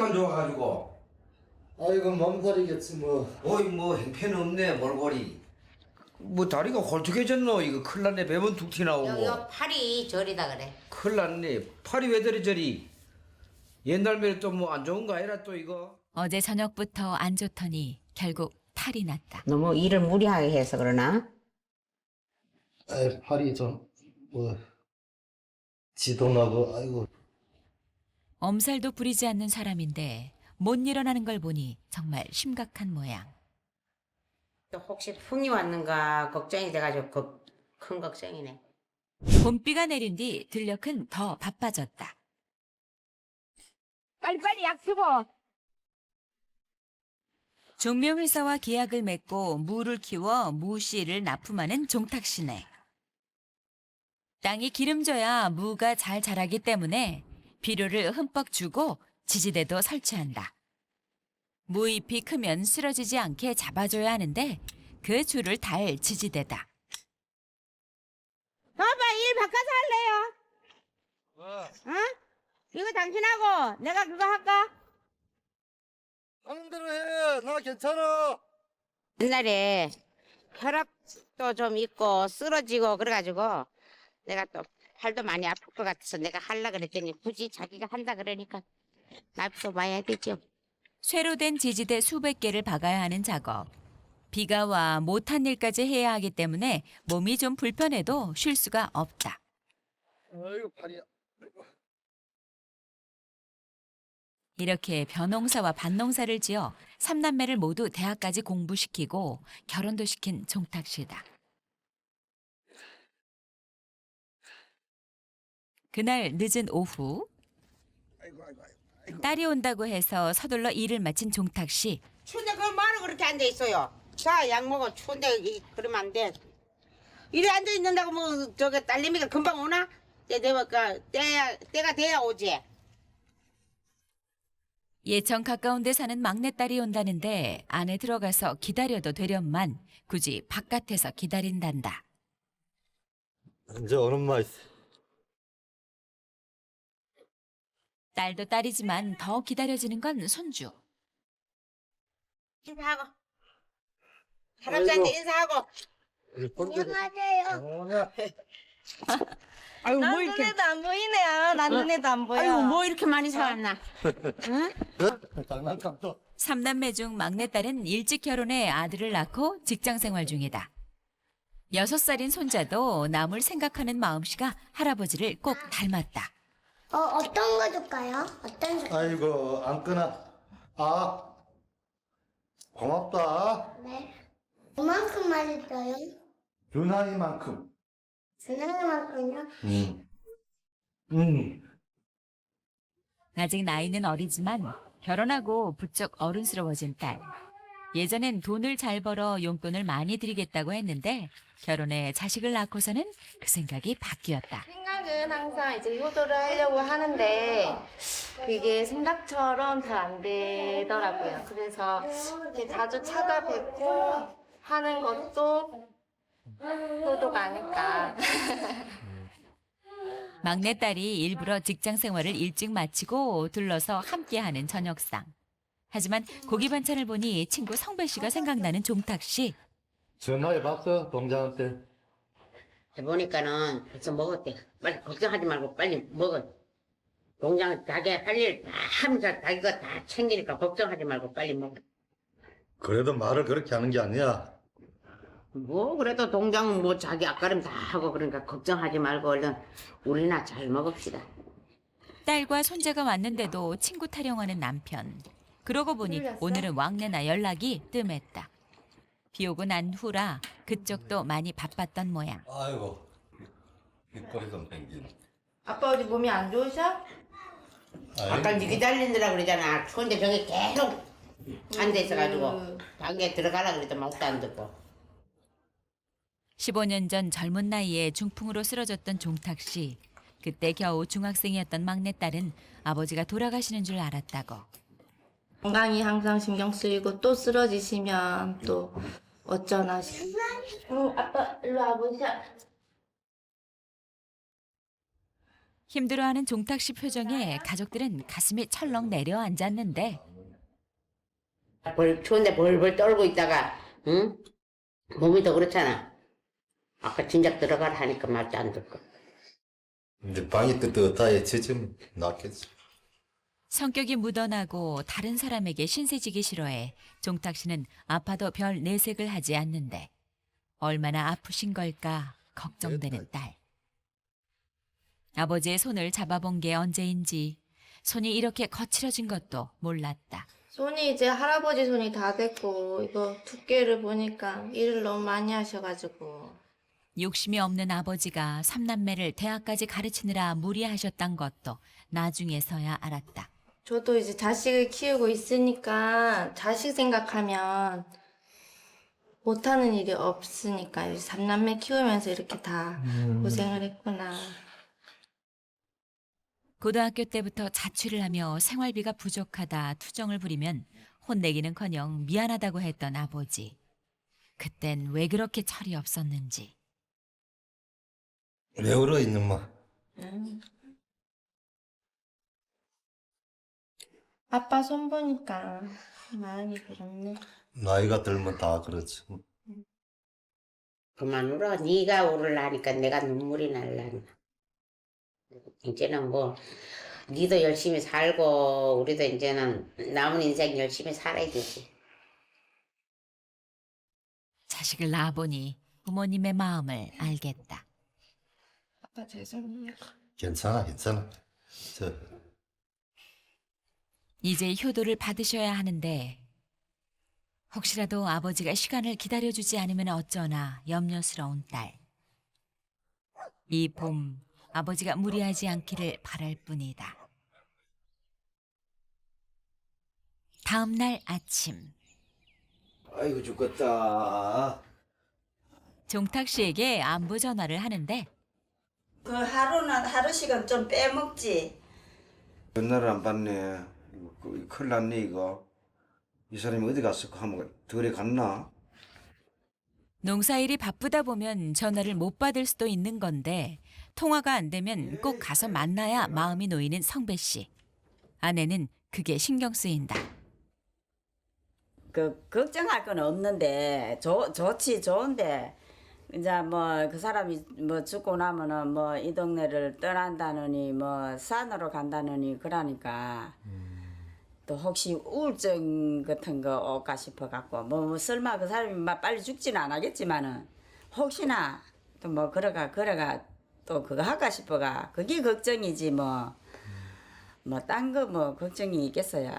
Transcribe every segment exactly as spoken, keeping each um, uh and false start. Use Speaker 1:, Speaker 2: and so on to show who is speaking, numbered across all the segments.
Speaker 1: 상태만 좋아가지고.
Speaker 2: 아이고 몸살이겠지 뭐.
Speaker 1: 어이 뭐 행패는 없네 몰골이. 뭐 다리가 홀쭉해졌노? 이거 큰일 났네. 배만 툭 튀나오고.
Speaker 3: 요, 요 팔이 저리다 그래.
Speaker 1: 큰일 났네. 팔이 왜 저리 저리. 옛날에 또 뭐 안 좋은 거 아니라 또 이거.
Speaker 4: 어제 저녁부터 안 좋더니 결국 탈이 났다.
Speaker 3: 너무 일을 무리하게 해서 그러나?
Speaker 2: 에 팔이 좀 뭐 지동하고 아이고.
Speaker 4: 엄살도 부리지 않는 사람인데 못 일어나는 걸 보니 정말 심각한 모양.
Speaker 3: 또 혹시 풍이 왔는가 걱정이 돼가지고 걱, 큰 걱정이네.
Speaker 4: 봄비가 내린 뒤 들녘은 더 바빠졌다.
Speaker 5: 빨리빨리 약 주고.
Speaker 4: 종묘회사와 계약을 맺고 무를 키워 무씨를 납품하는 종탁시네. 땅이 기름져야 무가 잘 자라기 때문에 비료를 흠뻑 주고 지지대도 설치한다. 무잎이 크면 쓰러지지 않게 잡아줘야 하는데 그 줄을 달 지지대다.
Speaker 5: 봐봐, 일 바꿔서 할래요?
Speaker 2: 와.
Speaker 5: 어? 이거 당신하고 내가 그거 할까?
Speaker 2: 하는 대로 해. 나 괜찮아.
Speaker 3: 옛날에 혈압도 좀 있고 쓰러지고 그래가지고 내가 또 팔도 많이 아플 것 같아서 내가 할라 그랬더니 굳이 자기가 한다 그러니까 나도 봐야 되죠.
Speaker 4: 쇠로 된 지지대 수백 개를 박아야 하는 작업. 비가 와 못한 일까지 해야 하기 때문에 몸이 좀 불편해도 쉴 수가 없다.
Speaker 2: 아이고 팔이.
Speaker 4: 이렇게 벼농사와 밭농사를 지어 삼남매를 모두 대학까지 공부시키고 결혼도 시킨 종탁씨다. 그날 늦은 오후
Speaker 2: 아이고 아이고 아이고.
Speaker 4: 딸이 온다고 해서 서둘러 일을 마친 종탁씨.
Speaker 3: 추운데 그걸 뭐하러 그렇게 앉아있어요? 자, 약 먹어. 추운데 이, 그러면 안 돼. 이래 앉아있는다고 뭐 저기 딸내미가 금방 오나? 때 되니까 때야, 때가 돼야 오지.
Speaker 4: 예천 가까운 데 사는 막내딸이 온다는데 안에 들어가서 기다려도 되련만 굳이 바깥에서 기다린단다.
Speaker 2: 이제 오는 마 있어.
Speaker 4: 딸도 딸이지만 더 기다려지는 건 손주.
Speaker 3: 인사하고. 할아버지한테
Speaker 2: 아이고.
Speaker 3: 인사하고.
Speaker 2: 안녕하세요.
Speaker 5: 아유, 뭐 이렇게. 눈에도 안 보이네요. 난 눈에도 안 보여.
Speaker 3: 아이고, 뭐 이렇게 많이 사왔나?
Speaker 2: 장난감도.
Speaker 4: 삼남매 중 막내딸은 일찍 결혼해 아들을 낳고 직장 생활 중이다. 여섯 살인 손자도 남을 생각하는 마음씨가 할아버지를 꼭 닮았다.
Speaker 6: 어, 어떤 거 줄까요? 어떤 줄?
Speaker 2: 아이고 안 끊어. 아 고맙다.
Speaker 6: 네. 그만큼 맛있어요?
Speaker 2: 유난히만큼.
Speaker 6: 주는
Speaker 2: 음. 음.
Speaker 4: 아직 나이는 어리지만 결혼하고 부쩍 어른스러워진 딸. 예전엔 돈을 잘 벌어 용돈을 많이 드리겠다고 했는데 결혼해 자식을 낳고서는 그 생각이 바뀌었다.
Speaker 7: 생각은 항상 이제 효도를 하려고 하는데 그게 생각처럼 잘 안 되더라고요. 그래서 이렇게 자주 찾아뵙고 하는 것도 효도가 아닐까.
Speaker 4: 막내딸이 일부러 직장 생활을 일찍 마치고 들러서 함께하는 저녁상. 하지만 고기 반찬을 보니 친구 성배 씨가 생각나는 종탁 씨.
Speaker 2: 전화해봤어 동장한테.
Speaker 3: 해보니까는 벌써 먹었대. 빨리 걱정하지 말고 빨리 먹어. 동장 자기 할 일 다 하면서 자기가 다 챙기니까 걱정하지 말고 빨리 먹어.
Speaker 2: 그래도 말을 그렇게 하는 게 아니야.
Speaker 3: 뭐 그래도 동장은 뭐 자기 앞가림 다 하고 그러니까 걱정하지 말고 얼른 우리나 잘 먹읍시다.
Speaker 4: 딸과 손자가 왔는데도 친구 타령하는 남편. 그러고 보니 오늘은 왕래나 연락이 뜸했다. 비 오고 난 후라 그쪽도 많이 바빴던 모양.
Speaker 8: 아이고 빗거리 좀 땡긴.
Speaker 7: 아빠 어디 몸이 안 좋으셔?
Speaker 3: 아까 니 기다린다라 그러잖아. 추운데 저기 계속 앉아 있어가지고 방에 들어가라 그래도 말도 안 듣고.
Speaker 4: 십오 년 전 젊은 나이에 중풍으로 쓰러졌던 종탁 씨. 그때 겨우 중학생이었던 막내딸은 아버지가 돌아가시는 줄 알았다고.
Speaker 7: 건강이 항상 신경 쓰이고 또 쓰러지시면 또 어쩌나 싶어. 응, 아빠 일로 와보자.
Speaker 4: 힘들어하는 종탁 씨 표정에 가족들은 가슴이 철렁 내려앉았는데
Speaker 3: 벌, 추운데 벌벌 떨고 있다가 응? 몸이 더 그렇잖아. 아까 진작 들어가라 하니까 말도 안 듣고.
Speaker 2: 근데 방이 뜨뜻하게 지금 낫겠지.
Speaker 4: 성격이 묻어나고 다른 사람에게 신세지기 싫어해 종탁 씨는 아파도 별 내색을 하지 않는데 얼마나 아프신 걸까 걱정되는 딸. 아버지의 손을 잡아본 게 언제인지 손이 이렇게 거칠어진 것도 몰랐다.
Speaker 7: 손이 이제 할아버지 손이 다 됐고 이거 두께를 보니까 일을 너무 많이 하셔가지고
Speaker 4: 욕심이 없는 아버지가 삼남매를 대학까지 가르치느라 무리하셨단 것도 나중에서야 알았다.
Speaker 7: 저도 이제 자식을 키우고 있으니까 자식 생각하면 못하는 일이 없으니까 이제 삼남매 키우면서 이렇게 다 고생을 했구나.
Speaker 4: 고등학교 때부터 자취를 하며 생활비가 부족하다 투정을 부리면 혼내기는커녕 미안하다고 했던 아버지. 그땐 왜 그렇게 철이 없었는지.
Speaker 2: 왜 울어 있는 마?
Speaker 7: 음. 아빠 손 보니까 마음이 그렇네.
Speaker 2: 나이가 들면 다 그렇지.
Speaker 3: 그만 울어. 네가 울으려니까 내가 눈물이 날라나. 이제는 뭐 니도 열심히 살고 우리도 이제는 남은 인생 열심히 살아야 되지.
Speaker 4: 자식을 낳아보니 부모님의 마음을 알겠다.
Speaker 7: 아빠 죄송해요.
Speaker 2: 괜찮아, 괜찮아. 저
Speaker 4: 이제 효도를 받으셔야 하는데 혹시라도 아버지가 시간을 기다려주지 않으면 어쩌나 염려스러운 딸. 이 봄 아버지가 무리하지 않기를 바랄 뿐이다. 다음 날 아침
Speaker 1: 아이고 죽겠다.
Speaker 4: 종탁 씨에게 안부 전화를 하는데
Speaker 5: 그 하루는 하루 시간 좀 빼먹지.
Speaker 1: 전화를 안 받네. 이거, 그, 큰일 났네 이거. 이 사람이 어디 갔을까 하면 덜에 갔나?
Speaker 4: 농사일이 바쁘다 보면 전화를 못 받을 수도 있는 건데 통화가 안 되면 꼭 가서 만나야 마음이 놓이는 성배 씨. 아내는 그게 신경 쓰인다.
Speaker 5: 그 걱정할 건 없는데 좋 좋지 좋은데 이제 뭐 그 사람이 뭐 죽고 나면은 뭐 이 동네를 떠난다느니 뭐 산으로 간다느니 그러니까 또 혹시 우울증 같은 거 올까 싶어 갖고 뭐, 뭐 설마 그 사람이 막 빨리 죽지는 않겠지만은 혹시나 또 뭐 그러가 그러가 또 그거 할까 싶어가 그게 걱정이지 뭐 뭐 딴 거 뭐 걱정이 있겠어요.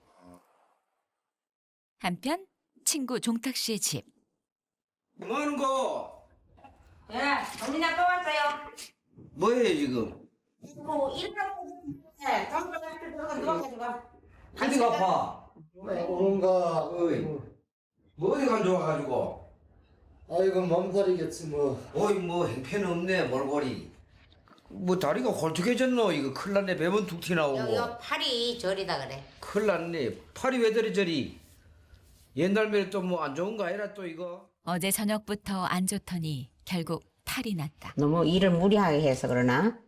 Speaker 4: 한편 친구 종탁 씨의 집.
Speaker 1: 뭐 하는 거?
Speaker 3: 예, 언니 아빠 왔어요.
Speaker 1: 뭐해 지금?
Speaker 3: 뭐 일하고 네, 잠깐 들어가 누워가지고.
Speaker 1: 어디가 아파?
Speaker 2: 오는가?
Speaker 1: 어이. 뭐 어디 간 좋아가지고?
Speaker 2: 아이고 몸살이겠지 뭐.
Speaker 1: 어이 뭐 행패는 없네 몰골이. 뭐 다리가 홀쭉해졌노? 이거 큰일 났네. 배만 툭 튀나오고.
Speaker 3: 요, 요 팔이 저리다 그래.
Speaker 1: 큰일 났네. 팔이 왜 저리 저리. 옛날에 또 뭐 안 좋은 거 아니라 또 이거.
Speaker 4: 어제 저녁부터 안 좋더니 결국 탈이 났다.
Speaker 3: 너무 일을 무리하게 해서 그러나?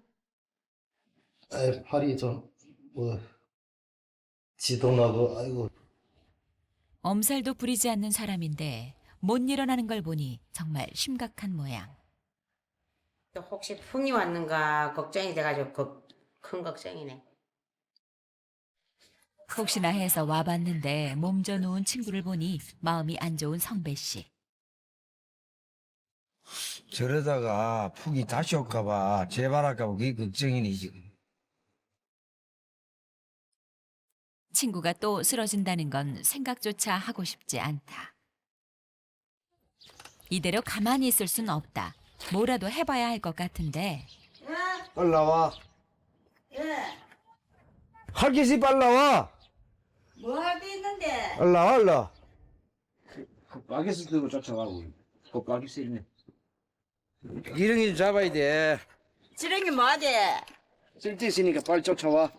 Speaker 2: 에 팔이 좀뭐 지동하고 아이고.
Speaker 4: 엄살도 부리지 않는 사람인데 못 일어나는 걸 보니 정말 심각한 모양.
Speaker 3: 또 혹시 풍이 왔는가 걱정이 돼가지고 그, 큰 걱정이네.
Speaker 4: 혹시나 해서 와봤는데 몸져 누운 친구를 보니 마음이 안 좋은 성배 씨.
Speaker 1: 저러다가 푹이 다시 올까봐 재발할까봐 그게 걱정이니 지금.
Speaker 4: 친구가 또 쓰러진다는 건 생각조차 하고 싶지 않다. 이대로 가만히 있을 순 없다. 뭐라도 해봐야 할 것 같은데
Speaker 1: 빨리 나와.
Speaker 5: 예.
Speaker 1: 할 게 있으니 빨리 나와.
Speaker 5: 뭐 할 게 있는데?
Speaker 1: 빨리 나와 얼라. 그 빠개스 들고 쫓아가고. 그 빠개스 있네. 기렁이 좀 잡아야 돼.
Speaker 5: 지렁이 뭐하지?
Speaker 1: 쓸데 있으니까 빨리 쫓아와.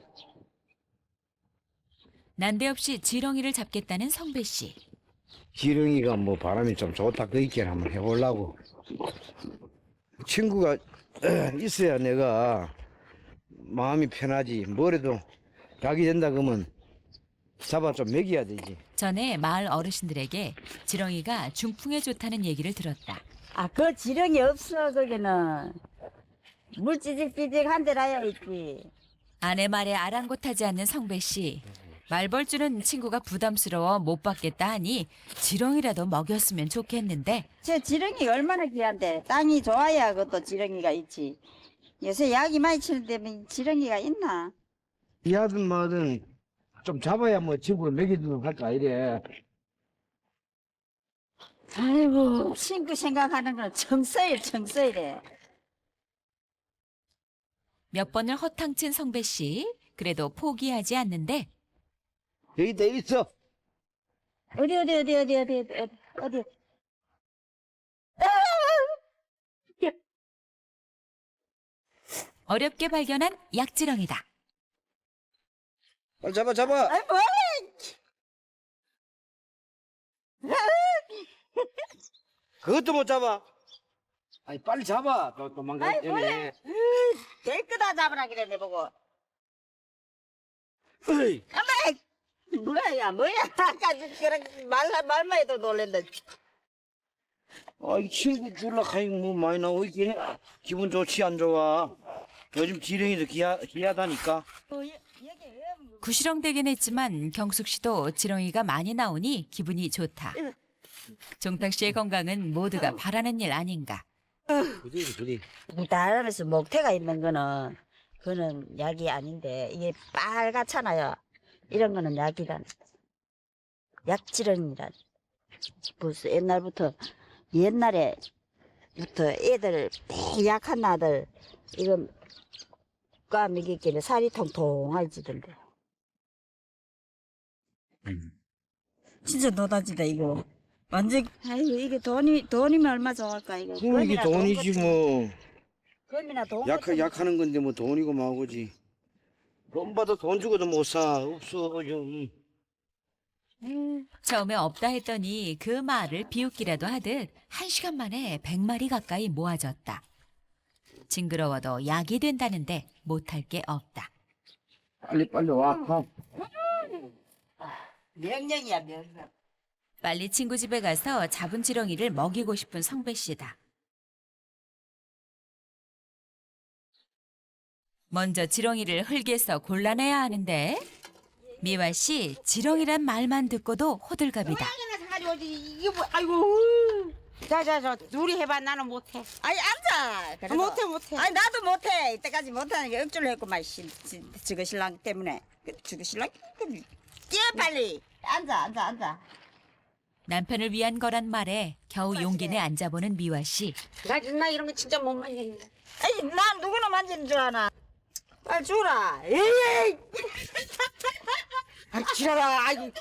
Speaker 4: 난데없이 지렁이를 잡겠다는 성배 씨.
Speaker 1: 기렁이가 뭐 바람이 좀 좋다 그 있게 한번 해보려고. 친구가 있어야 내가 마음이 편하지. 뭐래도 약이 된다 그러면 잡아 좀 먹여야 되지.
Speaker 4: 전에 마을 어르신들에게 지렁이가 중풍에 좋다는 얘기를 들었다.
Speaker 5: 아, 그 지렁이 없어, 거기는. 물 찌직찌직한 데라야 있지.
Speaker 4: 아내 말에 아랑곳하지 않는 성배 씨. 말벌주는 친구가 부담스러워 못 받겠다 하니 지렁이라도 먹였으면 좋겠는데
Speaker 5: 저 지렁이가 얼마나 귀한데. 땅이 좋아야 그것도 지렁이가 있지. 요새 약이 많이 치는데 뭐 지렁이가 있나?
Speaker 1: 이 아든 뭐든 좀 잡아야 뭐 친구를 먹이도록 할까 이래.
Speaker 5: 아이고, 친구 생각하는 건 정서일, 정서일에.
Speaker 4: 몇 번을 허탕친 성배 씨. 그래도 포기하지 않는데
Speaker 1: 여기 돼 있어.
Speaker 5: 어디, 어디, 어디, 어디, 어디, 어디, 어디.
Speaker 4: 어렵게 발견한 약지렁이다.
Speaker 1: 빨리 잡아 잡아.
Speaker 5: 아이, 뭐야!
Speaker 1: 그것도 못 잡아. 아니 빨리 잡아. 또 도망가기 때문에.
Speaker 5: 될 거다 잡으라 그랬네, 보고.
Speaker 1: 어이.
Speaker 5: 뭐야, 야, 뭐야. 아까 그런 말, 말만 해도 놀랜다.
Speaker 1: 아이 친구 줄라 가니 뭐 많이 나오고 있긴 해. 기분 좋지 안 좋아. 요즘 지렁이도 귀하, 귀하다니까.
Speaker 4: 구시렁대긴 했지만 경숙 씨도 지렁이가 많이 나오니 기분이 좋다. 종탁 씨의 건강은 모두가 바라는 일 아닌가.
Speaker 1: 그지 그지.
Speaker 5: 나라면서 목태가 있는 거는, 그거는 약이 아닌데, 이게 빨갛잖아요. 이런 거는 약이란. 약지렁이란. 벌써 옛날부터, 옛날에부터 애들, 매 약한 아들, 이거 까 먹이기는 살이 통통해지던데. 진짜 노다지다, 이거. 완전, 아이고, 이게 돈이, 돈이면 얼마 좋을까, 이거.
Speaker 1: 그럼 이게
Speaker 5: 금이나
Speaker 1: 돈이지
Speaker 5: 돈
Speaker 1: 뭐.
Speaker 5: 금이나 돈.
Speaker 1: 약,
Speaker 5: 같은
Speaker 1: 약하는 건데 뭐 돈이고 뭐고지. 돈 받아 돈 주고도 못 사. 없어 좀.
Speaker 4: 처음에 없다 했더니 그 말을 비웃기라도 하듯 한 시간 만에 백 마리 가까이 모아졌다. 징그러워도 약이 된다는데 못할 게 없다.
Speaker 1: 빨리 빨리 와. 가.
Speaker 5: 명령이야, 명령.
Speaker 4: 빨리 친구 집에 가서 잡은 지렁이를 먹이고 싶은 성배 씨다. 먼저 지렁이를 흙에서 골라내야 하는데 미화 씨 지렁이란 말만 듣고도 호들갑이다.
Speaker 3: 이게 뭐, 아이고. 자자자 둘이 해봐. 나는 못해.
Speaker 5: 아니, 앉아. 그래도.
Speaker 3: 못해 못해.
Speaker 5: 아니, 나도 못해. 이때까지 못하는 게 억지로 했구만, 씨. 지- 지그 신랑 때문에. 그, 지그 신랑? 뛰어, 빨리. 앉아, 앉아, 앉아.
Speaker 4: 남편을 위한 거란 말에 겨우 용기 내 앉아보는 미화 씨.
Speaker 3: 나, 나 이런 거 진짜 못 만지겠네.
Speaker 5: 아니, 난 누구나 만지는 줄 아나. 빨리 주라. 에이!
Speaker 3: 아 지랄아. 아이고.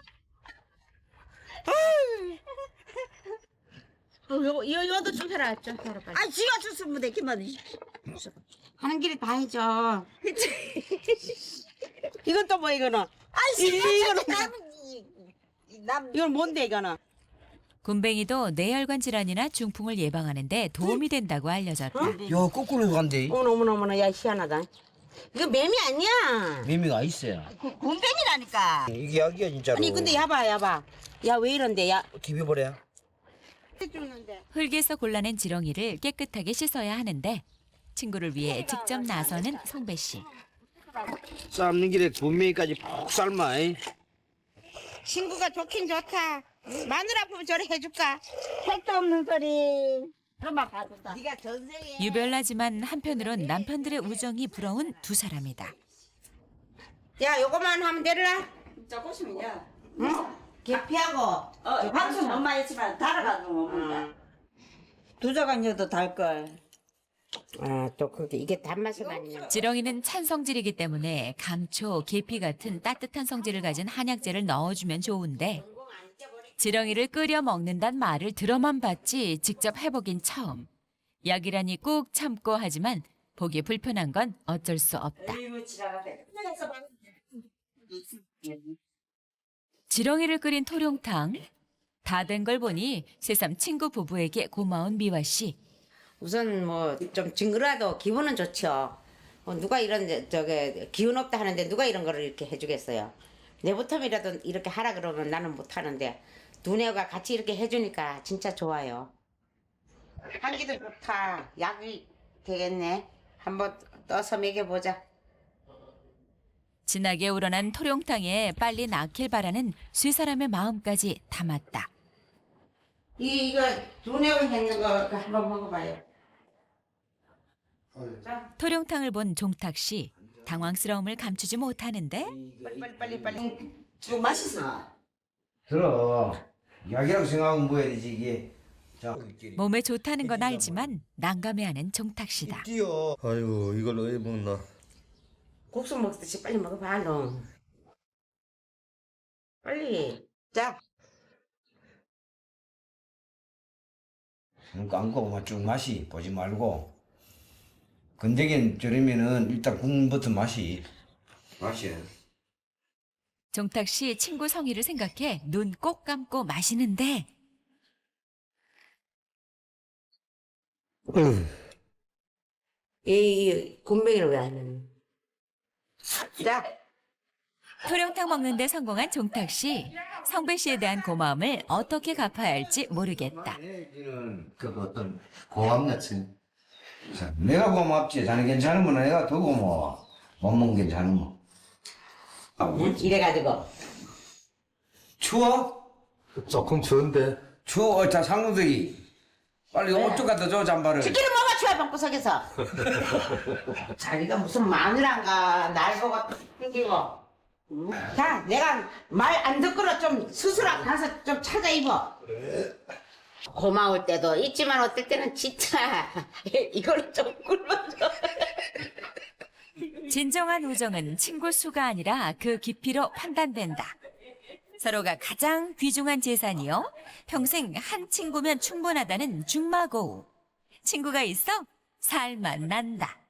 Speaker 3: 어, 요, 요, 요도 좀 해라. 좀 해라 빨리.
Speaker 5: 아니, 지가 줬으면 되기만.
Speaker 3: 하는 길에 다 해줘. 이건 또 뭐 이거는?
Speaker 5: 아이,
Speaker 3: 이- 이거는
Speaker 5: 남,
Speaker 3: 이건 뭔데 이거는?
Speaker 4: 굼벵이도 뇌혈관 질환이나 중풍을 예방하는 데 도움이 된다고 알려졌다.
Speaker 1: 야 거꾸로 간대.
Speaker 3: 어머나 어머나 어머나. 야 희한하다. 이거 매미 아니야.
Speaker 1: 매미가 있어요.
Speaker 5: 군뱅이라니까.
Speaker 1: 이게 약이야 진짜로.
Speaker 3: 아니 근데 야봐 야봐. 야 왜 이런데 야.
Speaker 1: 기벼버려.
Speaker 3: 죽는데.
Speaker 4: 흙에서 골라낸 지렁이를 깨끗하게 씻어야 하는데 친구를 위해 직접 나서는 성배 씨.
Speaker 1: 삶는 길에 분명히까지 푹 삶아. 이.
Speaker 3: 친구가 좋긴 좋다. 마늘 아프면 저래 해줄까?
Speaker 5: 택도 없는 소리. 그런만 봐준다.
Speaker 3: 네가 전생에.
Speaker 4: 유별나지만 한편으론 남편들의 우정이 부러운 두 사람이다.
Speaker 3: 야 요거만 하면 되라.
Speaker 5: 조금씩이야.
Speaker 3: 응? 계피하고.
Speaker 5: 어, 방송 엄마 했지만 달아가지고 못 먹는다. 두 자간여도 달걸.
Speaker 3: 아또 그게 이게 단맛이 아니냐.
Speaker 4: 지렁이는 찬 성질이기 때문에 감초, 계피 같은 따뜻한 성질을 가진 한약재를 넣어주면 좋은데 지렁이를 끓여 먹는단 말을 들어만 봤지 직접 해보긴 처음. 약이라니 꾹 참고 하지만 보기 불편한 건 어쩔 수 없다. 지렁이를 끓인 토룡탕. 다 된 걸 보니 새삼 친구 부부에게 고마운 미화 씨.
Speaker 3: 우선 뭐 좀 징그러도 기분은 좋죠. 어, 누가 이런 데- 저게 기운 없다 하는데 누가 이런 거를 이렇게 해주겠어요. 내부텀이라도 이렇게 하라 그러면 나는 못 하는데 두뇌가 같이 이렇게 해주니까 진짜 좋아요. 한기도 좋다. 약이 되겠네. 한번 떠서 먹여보자.
Speaker 4: 진하게 우러난 토룡탕에 빨리 낫길 바라는 세 사람의 마음까지 담았다.
Speaker 3: 이, 이거 두뇌를 했는 거 한번 먹어봐요. 자,
Speaker 4: 토룡탕을 본 종탁 씨 당황스러움을 감추지 못하는데
Speaker 3: 빨리 빨리 빨리 빨리.
Speaker 5: 좀 맛있어.
Speaker 1: 들어. 약이라고 생각하면 뭐야 되지 이게. 자.
Speaker 4: 몸에 좋다는 건 알지만 난감해하는 종탁 씨다.
Speaker 2: 뛰어. 아이고 이걸 왜 먹나?
Speaker 3: 국수 먹듯이 빨리 먹어봐, 너. 빨리. 자.
Speaker 1: 그러니까 안고 쭉 맛이 보지 말고. 건더기는 저러면은 일단 국물부터 맛이. 맛이.
Speaker 4: 종탁 씨 친구 성희를 생각해 눈 꼭 감고 마시는데
Speaker 3: 이, 이 군뱅이를 왜 안 하는? 자.
Speaker 4: 토룡탕 먹는데 성공한 종탁 씨. 성배 씨에 대한 고마움을 어떻게 갚아야 할지 모르겠다.
Speaker 2: 그 어떤 고함 같은.
Speaker 1: 자, 내가 고맙지. 자네 괜찮으면 내가 더 고마워. 못 먹으면 괜찮으면.
Speaker 3: 이래가지고.
Speaker 1: 추워?
Speaker 2: 조금 추운데.
Speaker 1: 추워. 자, 상무들이. 빨리 옷 좀 갖다 줘, 잠바를.
Speaker 3: 치킨을 먹어, 추워, 방구석에서. 자기가 무슨 마누라인가, 날 보고 튕기고. 자, 내가 말 안 듣고는 좀 스스로 가서 좀 찾아 입어. 고마울 때도 있지만 어떨 때는 진짜 이걸 좀 굶어줘.
Speaker 4: 진정한 우정은 친구 수가 아니라 그 깊이로 판단된다. 서로가 가장 귀중한 재산이요. 평생 한 친구면 충분하다는 중마고우. 친구가 있어 살만 난다.